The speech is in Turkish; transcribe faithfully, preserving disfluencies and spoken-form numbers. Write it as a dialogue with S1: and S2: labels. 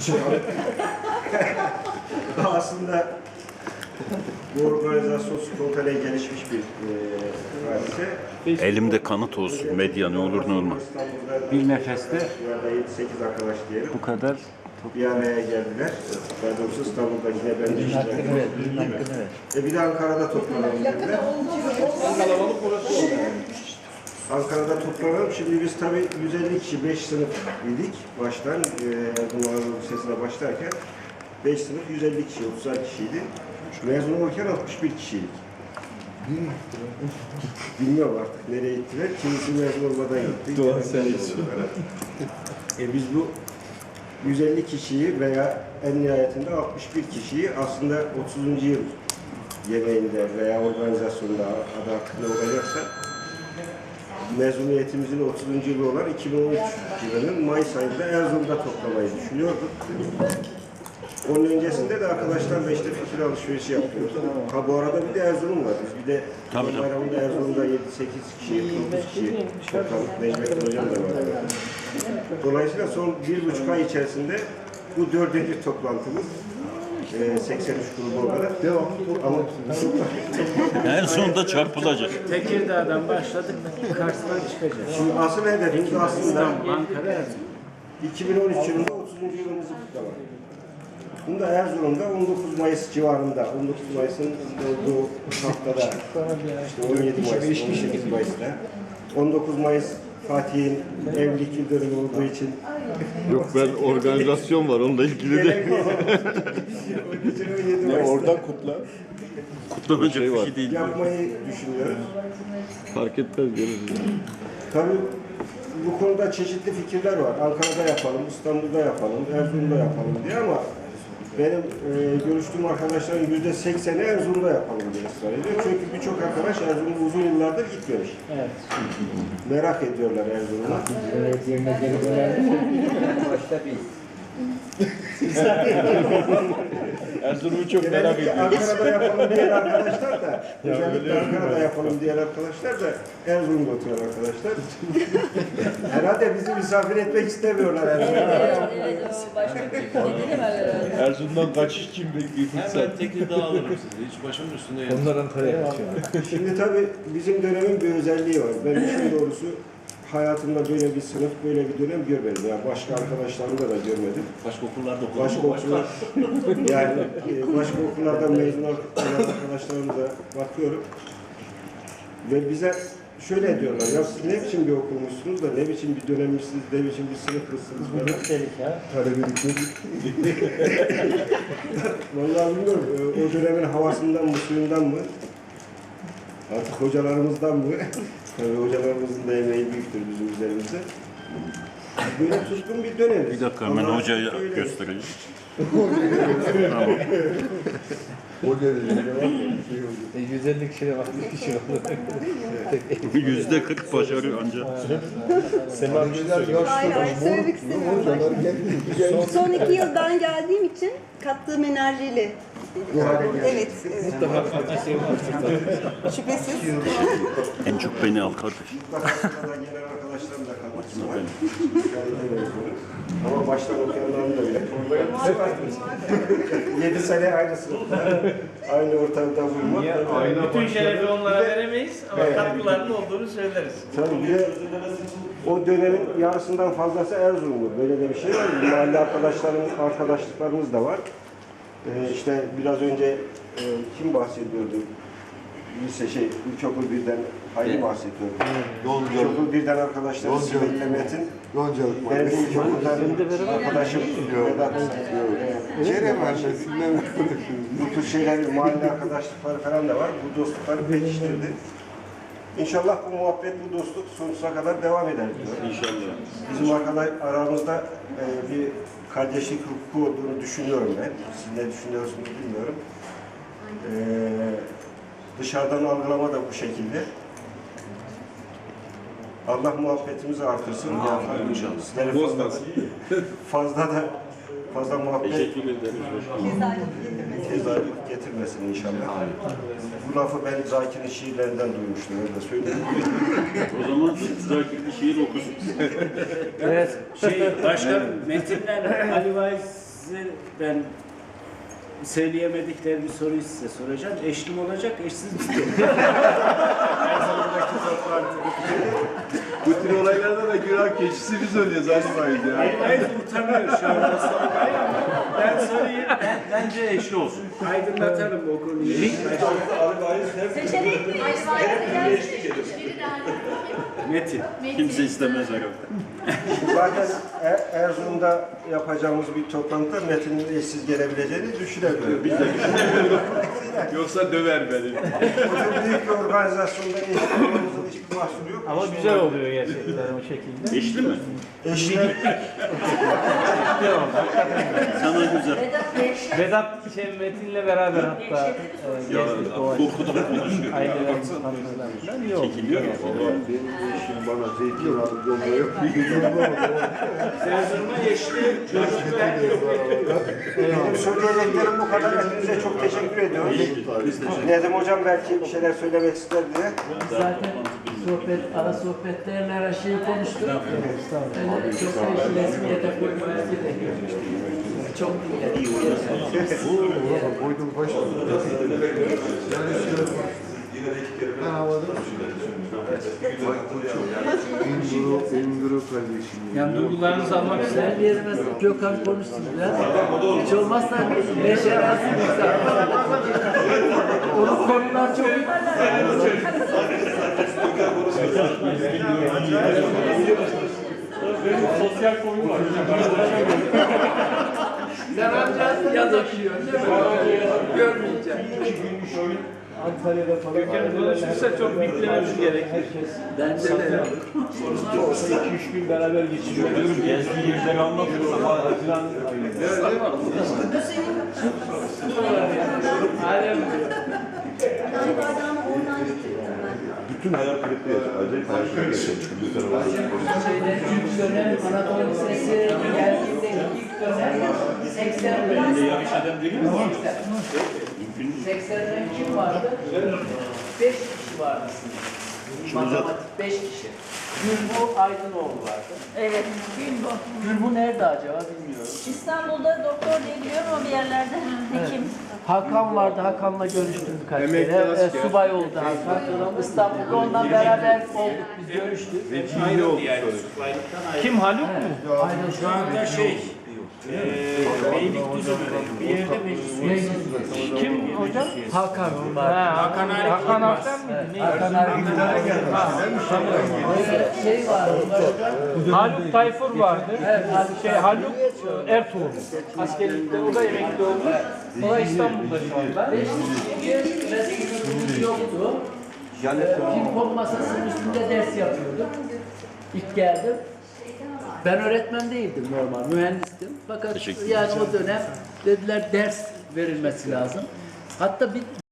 S1: Aslında bu organizasyon spontane gelişmiş bir e, hadise.
S2: Elimde kanıt olsun medya, ne olur ne olmaz.
S3: Bir nefeste
S1: yedi sekiz arkadaş diyelim.
S3: bu kadar
S1: Bir araya geldiler. Daha doğrusu İstanbul'dakine ben de iştirak E bir de Ankara'da toplanalım dediler. Ankara'da toplanalım. Şimdi biz tabii yüz elli kişi, beş sınıf idik baştan. E, bu Anadolu Lisesi'ne başlarken beş sınıf yüz elli kişi, otuzar kişiydi. Mezun olurken altmış bir kişiydik. Bilmiyorum artık nereye gittiler. Kimisi mezun olmadan gitti.
S4: Doğan sen için.
S1: E biz bu yüz elli kişiyi veya en nihayetinde altmış bir kişiyi aslında otuzuncu yıl yemeğinde veya organizasyonda adı hakkında olacaksa mezuniyetimizin otuzuncu yılı olan iki bin on üç yılının Mayıs ayında Erzurum'da toplamayı düşünüyorduk. Onun öncesinde de arkadaşlarla işte fikir alışverişi yapıyoruz. Ha bu arada bir de Erzurum var. Biz bir de
S2: Tabii,
S1: bayramında Erzurum'da yedi sekiz kişi, dokuz kişi topladık. Necmettin Hocam da var. Dolayısıyla son bir buçuk ay içerisinde bu dördüncü toplantımız. E, seksen üç grubu olarak devam. Ama
S2: En sonunda çarpılacak.
S3: Tekirdağ'dan başladık, Kars'tan çıkacağız.
S1: şimdi asıl hedefimiz aslında
S3: İstanbul, Ankara, Erzurum.
S1: iki bin on üç yılında otuzuncu yılımızı kutlamak. Bunda Erzurum'da on dokuz Mayıs civarında, on dokuz Mayıs'ın olduğu haftada, işte on yedi Mayıs, on sekiz Mayıs'ta, on dokuz Mayıs Fatih'in evlilik yıl dönümü olduğu için
S4: Yok ben organizasyon var onunla ilgili de.
S1: gerek yok. on yedi Mayıs'ta
S4: Oradan kutla.
S2: Kutlanacak
S4: Şey
S2: bir
S4: var.
S2: şey değil.
S1: yapmayı düşünüyoruz.
S4: Fark etmez görürüz.
S1: Tabii bu konuda çeşitli fikirler var. Ankara'da yapalım, İstanbul'da yapalım, Erzurum'da yapalım diye ama benim e, görüştüğüm arkadaşların yüzde sekseni Erzurum'da yapalım diye ısrar ediyor. Çünkü birçok arkadaş Erzurum'a uzun yıllardır gitmemiş.
S3: Evet.
S1: Merak ediyorlar Erzurum'a.
S3: Evet, yerine geri dönerdi. Başta biz.
S4: Erzurum'u çok
S1: Genellikle Ankara'da yapalım diyen arkadaşlar da, özellikle Ankara'da yapalım diyen arkadaşlar da Erzurum'da oturan arkadaşlar. Herhalde bizi misafir etmek istemiyorlar Erzurum'da.
S5: Evet, evet, o başka bir nedeni var herhalde.
S4: Erzurum'dan kaçış için bekliyor
S6: Hemen Tekirdağ alırım sizi. Hiç başımın üstünde yer.
S4: Onlar Ankara'ya kaçıyor.
S1: Şimdi tabii bizim dönemin bir özelliği var. Ben işin doğrusu hayatımda böyle bir sınıf, böyle bir dönem görmedim. Yani başka arkadaşlarımda da görmedim.
S6: Başka okullarda okudum.
S1: Başka okullar, yani e, başka okullardan mezun olan arkadaşlarımıza bakıyorum. Ve bize şöyle diyorlar, ya siz ne biçim bir okumuşsunuz da, ne biçim bir dönemmişsiniz, ne biçim bir sınıfmışsınız falan.
S3: Delik ya.
S1: Vallahi bilmiyorum, e, o dönemin havasından mı, suyundan mı, artık hocalarımızdan mı? Tabii hocalarımızın da emeği büyüktür bizim üzerimizde. Böyle tutkun bir dönem.
S2: Bir dakika hemen
S1: Ama
S2: hocaya
S1: öyle-
S2: göstereyim.
S3: yüz elli kişiye bak, bir kişi oldu.
S2: Yüzde kırk başarıyor ancak.
S7: Hayır, söylemek istemiyorum. Son iki yıl ben geldiğim için kattığım enerjiyle. Evet, evet. Şüphesiz.
S2: En çok beni al kardeş.
S1: Mutlaka gelen arkadaşlarım da kalmak var. Ama baştan okuyanların da bile. Yedi sene aynı sınıfta, aynı ortamda bulunmak.
S8: Bütün şerefi onlara veremeyiz ama
S1: Evet.
S8: katkılarının olduğunu söyleriz.
S1: Tabii bir de o dönemin yarısından fazlası Erzurumlu. Böyle de bir şey var. Mahalle arkadaşlarım, arkadaşlıklarımız da var. Ee, işte biraz önce e, kim bahsediyordu? Lise şey, ilkokul birden Hayri bahsediyordu. İlkokul birden arkadaşlarım Sibel Demet'in.
S4: Goncalık
S1: Benim ilkokuldan arkadaşım Vedat.
S4: Kerem annesinden
S1: Bu tür şeyler, mahalle arkadaşlıkları falan da var. Bu dostlukları pekiştirdi. İnşallah bu muhabbet, bu dostluk sonsuza kadar devam eder diyor.
S2: İnşallah.
S1: Bizim arkadaş aramızda e, bir kardeşlik hukuku olduğunu düşünüyorum ben. Siz ne düşünüyorsunuz bilmiyorum. E, dışarıdan algılama da bu şekilde. Allah muhabbetimizi artırsın.
S6: Amin inşallah.
S1: Sizlere fazla, fazla da fazla muhabbet
S2: Teşekkür ederiz.
S1: tezahürat getirmesin inşallah. Bu lafı ben Zakir'in şiirlerinden duymuştum, öyle söyleyeyim.
S2: O zaman Zakir'li şiir okusun.
S3: Evet.
S8: Şey, başka metinler Ali Vaiz
S9: size ben söyleyemedikleri bir soruyu size soracağım. Eşli mi olacak, eşsiz mi? Her zamandaki toplantı.
S4: Bu tür olaylarda da günah keçisi biz oluyoruz Alimayız ya.
S9: Hayır, hayır utanıyor şu anda sormayı ama ben sorayım.
S6: Ben, bence eşli olsun.
S9: Aydınlatalım o konuyu.
S5: Seçenek mi?
S9: Metin.
S2: Kimse istemez herhalde.
S1: Zaten E- Erzurum'da yapacağımız bir toplantıda Metin'in eşsiz gelebileceğini düşünemiyorum. Biz de
S4: Yoksa döver beni.
S1: çok büyük bir organizasyonda eşli olmamızın hiçbir mahsuru yok.
S8: Ama güzel oluyor gerçekten o şekilde.
S2: Eşli mi?
S1: Eşler,
S2: Sana güzel.
S8: Vedat şey, Metin'le beraber hatta e,
S2: Ya
S8: gezdik o
S2: korkudan konuşuyor.
S8: ailelerin tanışmalarından iyi oldu.
S2: Çekiliyor ya.
S4: Benim eşim bana zeytin alıp yolluyor.
S9: Erzurum'a eşli çocuk ve
S1: benim söyleyeceklerim bu kadar. Hepinize çok teşekkür ediyoruz. Nedim Hocam belki bir şeyler söylemek ister diye.
S3: Zaten sohbet, ara sohbetlerle her şeyi konuştuk. Öyle çok da işi resmiyete koymaya gerek yok. Çok iyi.
S4: Koydum başına. Ben havada Enguru, Enguru kardeşim.
S8: Yani duygularınızı almak istedim.
S3: Sen yerine Gökhan konuşsun biraz. Hiç olmazsa neşelensin insan. Onun konular çok iyi.
S8: Sosyal konu var.
S3: Sen ancak yaz okuyorsun değil mi? Görmeyeceğim.
S8: Antalya'da falan. Gökhan konuşursa çok beklememiz gerekir.
S3: Bence de.
S8: Olsa iki üç gün beraber geçiriyor. Gezdiği yerleri anlatıyor. Haziran ayında. Alem.
S7: Yani bardağımı oradan getirdim ben.
S4: Bütün hayal kırıklığı yaşıyor. Acayip hayal kırıklığı yaşıyor.
S3: Şeyde ilk dönem Anadolu Lisesi geldiğinde ilk dönem seksen
S2: Yanlış adam değil mi?
S3: seksenden kim vardı? beş kişi vardı sınıfta. Matematik beş kişi. Gülbu Aydınoğlu vardı.
S5: Evet. Gülbo.
S3: Gülbu nerede acaba bilmiyorum.
S5: İstanbul'da doktor diye biliyorum ama bir yerlerde hekim.
S3: Hakan vardı. Hakan'la görüştüm birkaç
S4: Emekli
S3: kere.
S4: asker.
S3: E, subay oldu Hakan. İstanbul'da ondan beraber olduk. Biz görüştük.
S4: İyi oldu sonra.
S8: Kim Haluk mu?
S3: Aynen
S9: şu anda şey, eee Beylikdüzü'nde bir yerde meclis üyesi.
S8: Kim hocam?
S3: Hakan var.
S8: Ha,
S9: Hakan Arif
S8: Hakan
S9: Yılmaz.
S8: Aktan mıydı? Ne?
S3: Hakan Arif Ee, şey vardı.
S8: Haluk Tayfur vardı.
S3: Evet, Haluk
S8: Şey Haluk e, Ertuğrul. Askerlikte o da emekli oldu. O da İstanbul'da şu anda.
S3: Beş kişi ve sınıfımız yoktu. Ee, Ping-pong masasının üstünde ders yapıyorduk. İlk geldim. Ben öğretmen değildim normal, mühendistim. Fakat
S2: Teşekkür
S3: yani o dönem dediler ders verilmesi lazım. Hatta bir